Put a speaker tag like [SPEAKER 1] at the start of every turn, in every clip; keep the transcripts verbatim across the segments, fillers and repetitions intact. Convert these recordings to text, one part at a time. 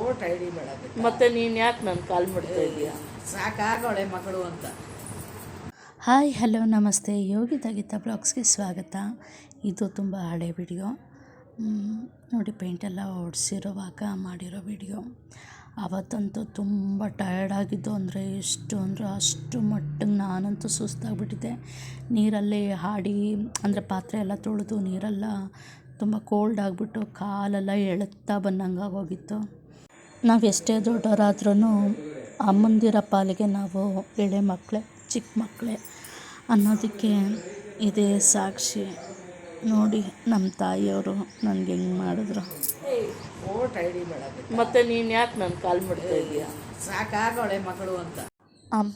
[SPEAKER 1] Vote I D ಬೇಡ
[SPEAKER 2] ಮತ್ತೆ ನೀನು ಯಾಕೆ ನಾನು ಕಾಲ್ ಮಾಡ್ತಾ ಇದೀಯಾ?
[SPEAKER 1] ಸಾಕಾಗೋಳೆ ಮಗಳು ಅಂತ.
[SPEAKER 3] ಹಾಯ್ ಹಲೋ ನಮಸ್ತೆ, ಯೋಗಿತಾ ಗೀತಾ ಬ್ಲಾಗ್ಸ್ಗೆ ಸ್ವಾಗತ. ಇದು ತುಂಬ ಹಳೆ ವಿಡಿಯೋ ನೋಡಿ, ಪೇಂಟೆಲ್ಲ ಹೊಡ್ಸಿರೋವಾಗ ಮಾಡಿರೋ ವಿಡಿಯೋ. ಆವತ್ತಂತೂ ತುಂಬ ಟಯರ್ಡ್ ಆಗಿದ್ದು ಅಂದರೆ ಎಷ್ಟು ಅಂದರೆ ಅಷ್ಟು ಮಟ್ಟಿಗೆ ನಾನಂತೂ ಸುಸ್ತಾಗ್ಬಿಟ್ಟಿದ್ದೆ. ನೀರಲ್ಲೇ ಹಾಡಿ ಅಂದರೆ ಪಾತ್ರೆ ಎಲ್ಲ ತೊಳೆದು ನೀರೆಲ್ಲ ತುಂಬ ಕೋಲ್ಡ್ ಆಗಿಬಿಟ್ಟು ಕಾಲೆಲ್ಲ ಎಳುತ್ತಾ ಬಂದಂಗೆ ಆಗೋಗಿತ್ತು. ನಾವು ಎಷ್ಟೇ ದೊಡ್ಡವರಾದ್ರೂ ಅಮ್ಮಂದಿರ ಪಾಲಿಗೆ ನಾವು ಎಳೆ ಮಕ್ಕಳೇ, ಚಿಕ್ಕ ಮಕ್ಕಳೇ ಅನ್ನೋದಕ್ಕೆ ಇದೇ ಸಾಕ್ಷಿ. ನೋಡಿ ನಮ್ಮ ತಾಯಿಯವರು ನನಗೆ ಹೆಂಗೆ ಮಾಡಿದ್ರು.
[SPEAKER 1] ಓಟ್ ಐ ಡಿ ಬೇಡ
[SPEAKER 2] ಮತ್ತೆ ನೀನು ಯಾಕೆ ನಾನು ಕಾಲ್ ಮಾಡ್ತಾ ಇದೀಯಾ?
[SPEAKER 1] ಸಾಕಾಗೋಳೆ ಮಗಳು ಅಂತ.
[SPEAKER 3] ಅಮ್ಮ,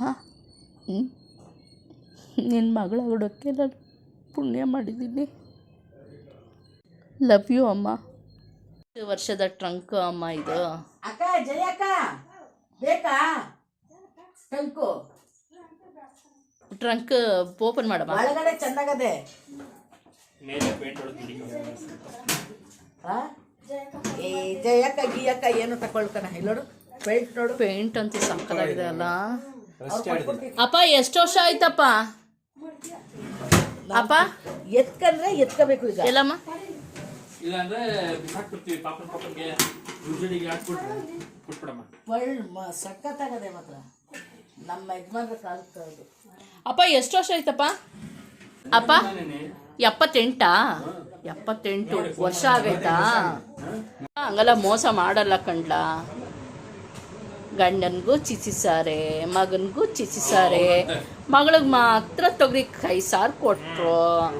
[SPEAKER 3] ನಿನ್ನ ಮಗಳ ಹುಡುಕ್ಕೆ ನಾನು ಪುಣ್ಯ ಮಾಡಿದ್ದೀನಿ. ಲವ್ ಯು ಅಮ್ಮ.
[SPEAKER 2] ಎಷ್ಟು ವರ್ಷದ ಟ್ರಂಕ್ ಅಮ್ಮ ಇದು?
[SPEAKER 1] ಅಕ್ಕ ಜಯಕ್ಕ ಬೇಕಾ ಟ್ರಂಕು?
[SPEAKER 2] ಟ್ರಂಕ್ ಓಪನ್ ಮಾಡಮ್ಮ.
[SPEAKER 1] ಒಳಗಡೆ ಚೆನ್ನಾಗದೆ. ಏ ಜಯಕ್ಕ ಗಿಯಕ್ಕ ಏನು ತಕೊಳ್ಕಣ ಇಲ್ಲೋಡು, ಪೇಂಟ್ ನೋಡು.
[SPEAKER 2] ಪೇಂಟ್ ಅಂತೂ ಸಕ್ಕತ್ತಾಗಿದೆ ಅಲ್ಲ. ಅಪ್ಪ ಎಷ್ಟು ವರ್ಷ ಆಯ್ತಪ್ಪ? ಅಪ್ಪ
[SPEAKER 1] ಎತ್ಕಂದ್ರೆ ಎತ್ಕೋಬೇಕು ಈಗ.
[SPEAKER 2] ಎಲ್ಲಮ್ಮ
[SPEAKER 1] ಸಖತ್ತಾಗದೆ ಮಾತ್ರ. ನಮ್ಮ ಯಜಮಾನ್ರ ಕಾಲದ್ದು.
[SPEAKER 2] ಅಪ್ಪ ಎಷ್ಟು ವರ್ಷ ಆಯ್ತಪ್ಪ? ಅಪ್ಪ ಎಪ್ಪತ್ತೆಂಟಾ? ಎಪ್ಪತ್ತೆಂಟು ವರ್ಷ ಆಗೈತಾ? ಹಂಗೆಲ್ಲ ಮೋಸ ಮಾಡಲ್ಲ ಕಂಡ್ಲ. ಗಂಡನಿಗೂ ಚಿಚಿಸಾರೆ, ಮಗನಿಗೂ ಚಿಚಿಸಾರೆ, ಮಗಳಿಗೆ ಮಾತ್ರ ತೊಗರಿ ಕೈ ಸಾರು ಕೊಟ್ರು.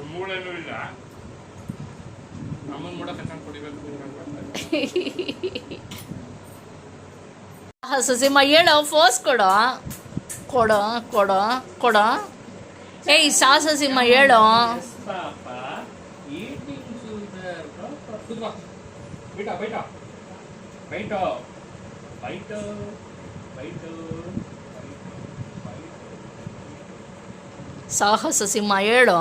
[SPEAKER 2] ಸಸಿಮ್ಮ ಹೇಳೋ, ಫೋಸ್ ಕೊಡೋ ಕೊಡೋ ಕೊಡೋ ಕೊಡೋ. ಏಯ್ ಸಾ ಸಸಿಮ್ಮ ಹೇಳೋ. ಸಾಹಸ ಸಿಂಹ ಹೇಳೋ.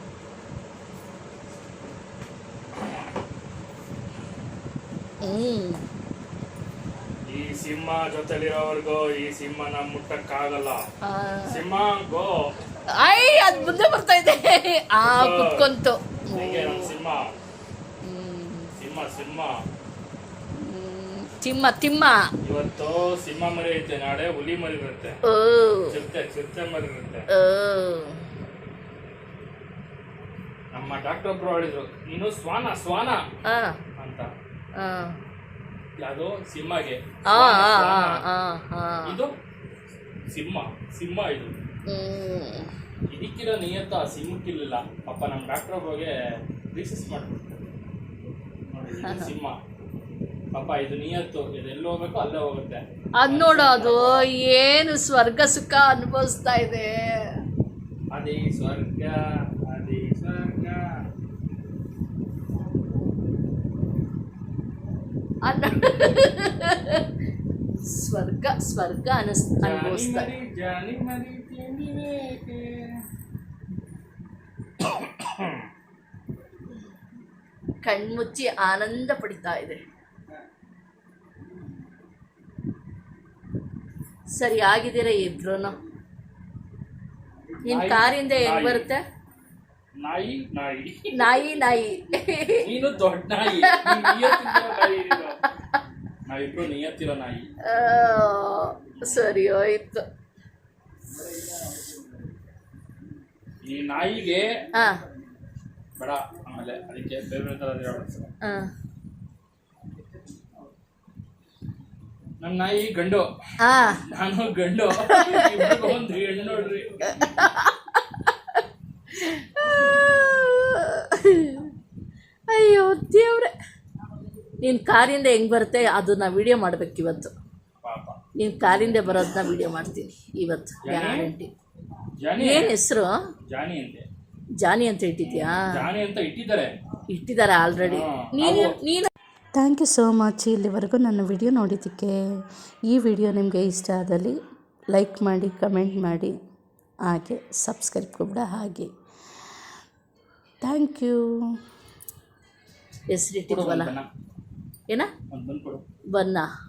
[SPEAKER 2] ಹ್ಮ್
[SPEAKER 4] ಈ ಸಿಂಹ ಜೊತೆಲಿರೋವರೆಗೂ ಈ ಸಿಂಹನ ಮುಟ್ಟಕ್ಕಾಗಲ್ಲ. ಸಿಂಹ ಗೋ.
[SPEAKER 2] ಐ ಅದ್ ಮುಂದೆ ಬರ್ತಾ ಇದೆ. ಆ ಕುತ್ಕೊಂತು.
[SPEAKER 4] ಸಿಂಹ ಸಿಂಹ ಸಿಂಹ
[SPEAKER 2] ತಿಮ್ಮ ತಿಮ್ಮ.
[SPEAKER 4] ಇವತ್ತು ಸಿಂಹ ಮರಿ ಐತೆ, ನಾಳೆ ಹುಲಿ ಮರಿ ಇರುತ್ತೆ, ಚಿರತೆ ಚಿರತೆ ಮರಿ ಇರುತ್ತೆ. ನಮ್ಮ ಡಾಕ್ಟರ್ ಒಬ್ರು ಹೇಳಿದ್ರು, ನೀನು ಶ್ವಾನ ಶ್ವಾನ ಅಂತ. ಯಾವುದು ಸಿಂಹಗೆ, ಇದು ಸಿಂಹ ಸಿಂಹ ಇದು. ಇದಕ್ಕಿರೋ ನಿಯತ್ತ ಸಿಂಹಕ್ಕಿಲ್ಲ. ಪಾಪ ನಮ್ಮ ಡಾಕ್ಟರ್ ಒಬ್ಬಗೆ ರಿಸರ್ಚ್ ಮಾಡ್ಬಿಡ್ತಾರೆ ನೋಡಿ, ಸಿಂಹ ಪಾಪ ಇದು ನಿಯತ್ತು, ಇದು ಎಲ್ಲಿ ಹೋಗ್ಬೇಕು ಅಲ್ಲೇ ಹೋಗುತ್ತೆ.
[SPEAKER 2] ಅದ್ ನೋಡು, ಅದು ಏನು ಸ್ವರ್ಗ ಸುಖ ಅನುಭವಿಸ್ತಾ ಇದೆ.
[SPEAKER 4] ಅದೇ ಸ್ವರ್ಗ, ಅದೇ ಸ್ವರ್ಗ.
[SPEAKER 2] ಸ್ವರ್ಗ ಸ್ವರ್ಗ ಅನಿಸ್ ಅನುಭವಿಸ್ತಾ. ಕಣ್ಮುಚ್ಚಿ ಆನಂದ ಪಡಿತಾ ಇದೆ. ಸರಿ ಆಗಿದ್ದೀರ ಇಬ್ರು? ನಿನ್ ಕಾರಿಂದ ಹೆಂಗ್ ಬರುತ್ತೆ?
[SPEAKER 4] ನಾಯಿ ನಾಯಿ
[SPEAKER 2] ನಾಯಿ ನಾಯಿ.
[SPEAKER 4] ನೀನು ದೊಡ್ಡ ನಾಯಿ, ನಾವಿಬ್ರು ನಿಯತ್ತಿರೋ ನಾಯಿ.
[SPEAKER 2] ಸರಿ ಹೋಯ್ತು.
[SPEAKER 4] ಈ ನಾಯಿಗೆ
[SPEAKER 2] ಹಾ
[SPEAKER 4] ಬೇಡ, ಆಮೇಲೆ ಅದಕ್ಕೆ ಬೇರೆ ಬೇರೆ ತರ. ನಮ್ಮ ನಾಯಿ ಗಂಡು, ನಾನು ಗಂಡು, ಒಂದು ಹೆಣ್ಣು ನೋಡ್ರಿ.
[SPEAKER 2] ಅಯ್ಯೋ ದೇವ್ರೆ. ನೀನ್ ಕಾರಿಂದ ಹೆಂಗ್ ಬರುತ್ತೆ ಅದನ್ನ ವಿಡಿಯೋ ಮಾಡ್ಬೇಕು ಇವತ್ತು. ನೀನ್ ಕಾರಿಂದ ಬರೋದನ್ನ ವಿಡಿಯೋ ಮಾಡ್ತೀನಿ ಇವತ್ತು ಗ್ಯಾರಂಟಿ. ಏನ್ ಹೆಸರು?
[SPEAKER 4] ಜಾನಿ ಅಂತೆ.
[SPEAKER 2] ಜಾನಿ ಅಂತ ಇಟ್ಟಿದ್ಯಾ?
[SPEAKER 4] ಜಾನಿ ಅಂತ ಇಟ್ಟಿದ್ದಾರೆ,
[SPEAKER 2] ಇಟ್ಟಿದ್ದಾರೆ ಆಲ್ರೆಡಿ. ನೀನು ನೀನು
[SPEAKER 3] ಥ್ಯಾಂಕ್ ಯು ಸೋ ಮಚ್. ಇಲ್ಲಿವರೆಗೂ ನನ್ನ ವಿಡಿಯೋ ನೋಡಿದ್ದಕ್ಕೆ. ಈ ವಿಡಿಯೋ ನಿಮಗೆ ಇಷ್ಟ ಆದಲ್ಲಿ ಲೈಕ್ ಮಾಡಿ, ಕಮೆಂಟ್ ಮಾಡಿ, ಹಾಗೆ ಸಬ್ಸ್ಕ್ರೈಬ್ ಕೂಡ ಹಾಗೆ. Thank you.
[SPEAKER 2] ಹೆಸರಿಟ್ಟಿದ್ವಲ್ಲ ಏನ? ಬನ್ನ.